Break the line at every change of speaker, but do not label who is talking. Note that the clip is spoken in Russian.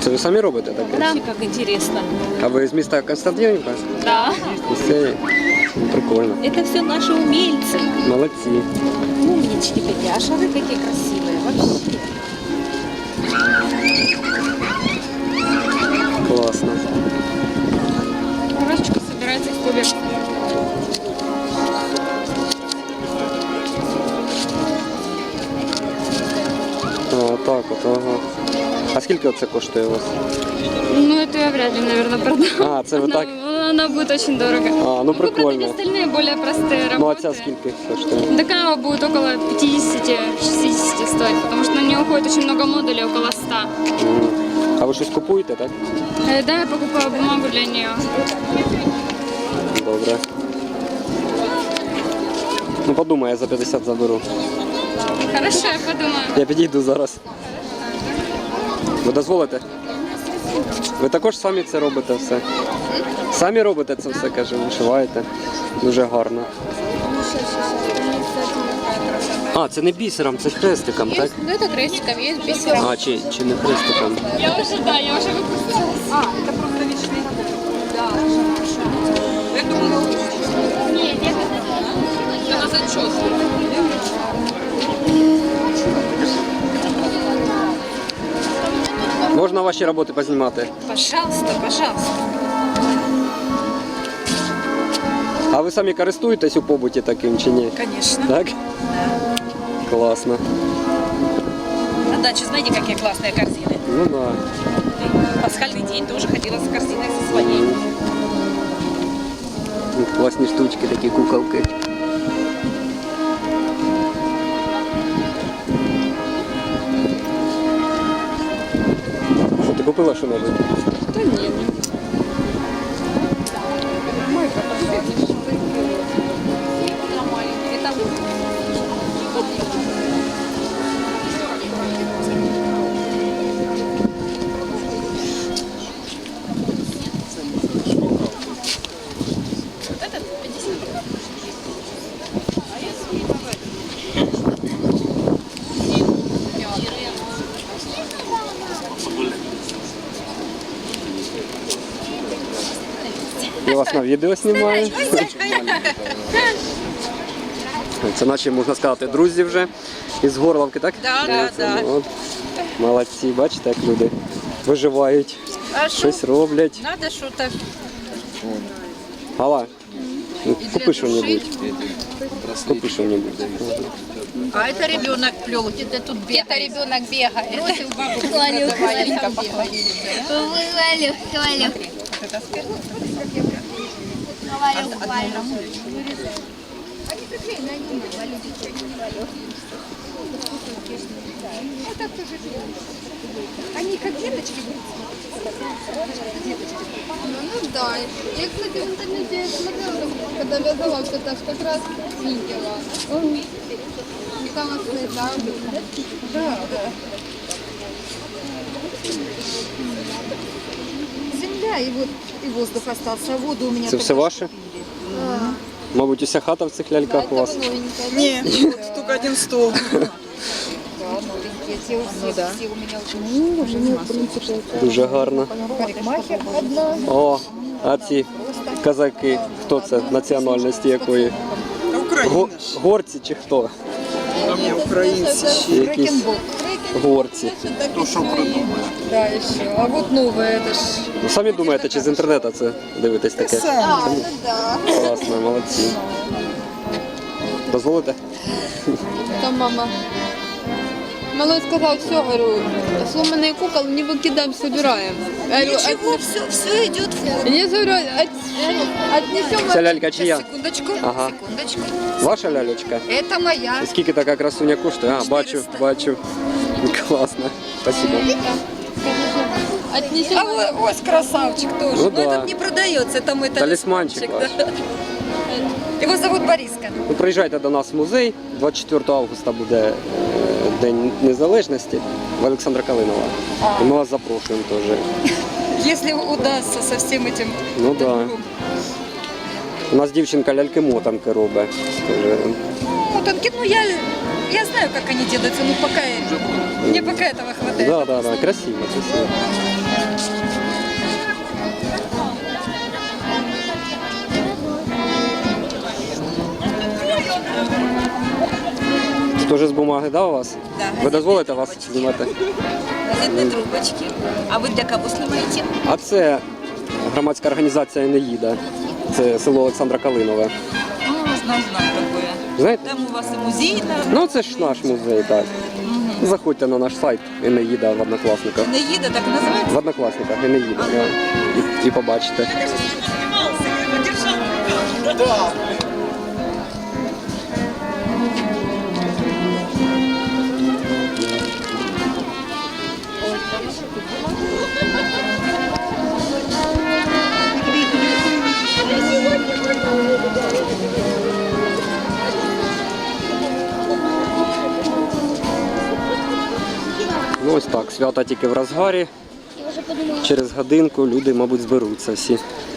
Це ви самі робите таке?
Да. Как интересно.
А ви з міста Константинівка?
Да.
Місцеві? Ну, прикольно.
Это все наши умельцы.
Молодці.
Умнички такие. А шары какие красивые. Вообще.
Класно.
Коробочка собирается в кубик.
А, так от, ага. А скільки це коштує у вас?
Ну, это я вряд ли, наверное, продам.
А, це ви так?
Она будет очень дорого.
А, ну прикольно.
Остальные более простые работы.
Ну а ця скільки коштує?
Такая будет около 50-60 стоит, потому что на нее уходит очень много модулей, около 100.
Мгм. А ви щось купуєте, так?
Да, я покупаю бумагу для нее.
Добре. Ну подумай, я за 50 заберу.
Хорошо, я подумаю.
Я підійду зараз. Ви дозволите? Ви також самі це робите все? Самі робите це все, каже, вишиваєте. Дуже гарно. А, це не бісером, це хрестиком, так?
Ну, это крестиком, есть бисером.
А, чи не хрестиком?
Я уже выпустилась. А, это просто вечный. Да. Я думаю, нет, это на зачет.
Можна ваші роботи познімати?
Пожалуйста, пожалуйста.
А ви самі користуєтесь у побуті таким чи ні?
Конечно.
Так? Класно.
На даче знаете, какие классные корзины?
Ну да.
Пасхальный день тоже ходила с корзиной со своей.
Класні штучки, такі куколки. Що, ти купила що-небудь?
Да нет.
Я вас на відео знімаю. Це наші, можна сказати, друзі вже із Горловки, так?
Да.
От. Молодці, бачите, як люди виживають,
А
щось роблять.
Надо что-то.
Алла, купи що-небудь. Купи що-небудь.
А это ребенок плел, где-то тут бегает.
Это ребенок бегает.
Бросил бабушку,
Хвалю,
давай,
хвалю.
Лика, похвалили.
Хвалю, хвалю. Хвалю, хвалю.
Они как деточки будут. Ну да. Я, кстати, в интернете смотрела, когда вязала, вот это как раз видела. Классные, да? Да.
Земля и вот и воздух остался, а воду у меня.
Це все ваше? Мабуть, уся хата в цих ляльках у вас?
Не, только один стол.
Все у меня очень
Дуже гарно.
парикмахер одна.
О, а ці казаки, хто це, національності якої? Горці чи хто?
Не, украинцы.
Якісь горці.
Да, еще. А вот новое, это ж...
Ну, самі думаєте, чи з інтернету це дивитесь таке?
А, ну да.
Класно, молодці. Дозволите?
Там мама. Малой сказал, все, говорю, сломанные кукол не выкидаем, собираем.
Ничего, все идет в ход.
Я говорю, отнесем...
Ця лялька чия?
Секундочку,
Ага.
секундочку.
Ваша лялечка?
Это моя.
І скільки така красуня коштує? А, бачу,
400.
бачу. Класно. Спасибо.
Отнесем...
А ось красавчик тоже.
Ну
Но
да.
этот не продается, это мой
Талісманчик ваш.
да. Его зовут Бориска.
Ви приїжджайте до нас в музей. 24 августа буде День Незалежності в Олександра Калинова. І ми вас запрошуємо теж.
Если удастся со всем этим.
Ну так. Да. У нас дівчинка ляльки-мотанки робить. Теж.
Мотанки, ну я знаю, как они делаются, но пока мне пока этого хватает.
Да, красиво, красиво. Це теж з бумаги, да, у вас?
Да,
Ви дозволите вас знімати?
Газетные трубочки. А вы для кого снимаете?
А це громадська організація «Енеїда». Це село Олександра Калинове.
Знаю такое.
Знаєте?
Там у вас и музей,
Ну це ж наш музей, так. Заходьте на наш сайт «Енеїда» в Однокласниках.
Наеда так и называется?
В Однокласниках «Енеїда», да. І побачите. Ну ось так, свята тільки в розгарі. Через годинку люди, мабуть, зберуться всі.